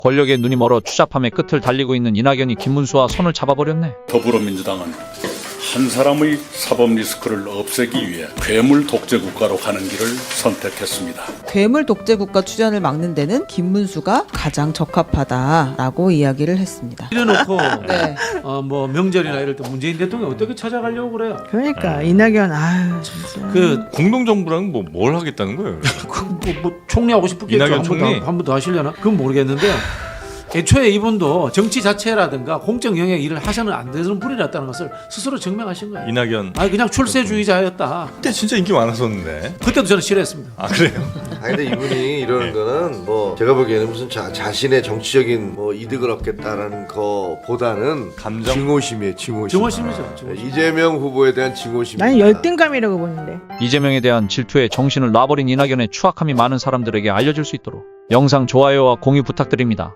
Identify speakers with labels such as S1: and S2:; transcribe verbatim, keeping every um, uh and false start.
S1: 권력에 눈이 멀어 추잡함의 끝을 달리고 있는 이낙연이 김문수와 손을 잡아버렸네.
S2: 더불어민주당은 한 사람의 사법 리스크를 없애기 위해 괴물 독재 국가로 가는 길을 선택했습니다.
S3: 괴물 독재 국가 추진을 막는 데는 김문수가 가장 적합하다라고 이야기를 했습니다.
S4: 이래놓고
S3: 네.
S4: 어, 뭐 명절이나 이럴 때 문재인 대통령 어떻게 찾아가려고 그래요?
S5: 그러니까 이낙연 아유 진짜.
S4: 그
S6: 공동정부랑 뭐 뭘 하겠다는 거예요?
S4: 그 뭐, 뭐 총리하고 싶겠죠.
S6: 이낙연
S4: 한 번 더,
S6: 총리?
S4: 한 번 더 하시려나? 그건 모르겠는데 애초에 이분도 정치 자체라든가 공적 영역 일을 하셔는 안 되는 분이었다는 것을 스스로 증명하신 거예요.
S6: 이낙연
S4: 아니 그냥 출세주의자였다.
S6: 그때 진짜 인기 많았었는데.
S4: 그때도 저는 싫어했습니다.
S6: 아 그래요?
S7: 아니 근데 이분이 이러는 거는 뭐 제가 보기에는 무슨 자, 자신의 정치적인 뭐 이득을 얻겠다라는 거보다는
S6: 감정?
S7: 증오심이에요. 증오심.
S4: 증오심이죠. 증오심.
S7: 이재명 후보에 대한 증오심.
S5: 나는 열등감이라고 보는데.
S1: 이재명에 대한 질투에 정신을 놔버린 이낙연의 추악함이 많은 사람들에게 알려질 수 있도록 영상 좋아요와 공유 부탁드립니다.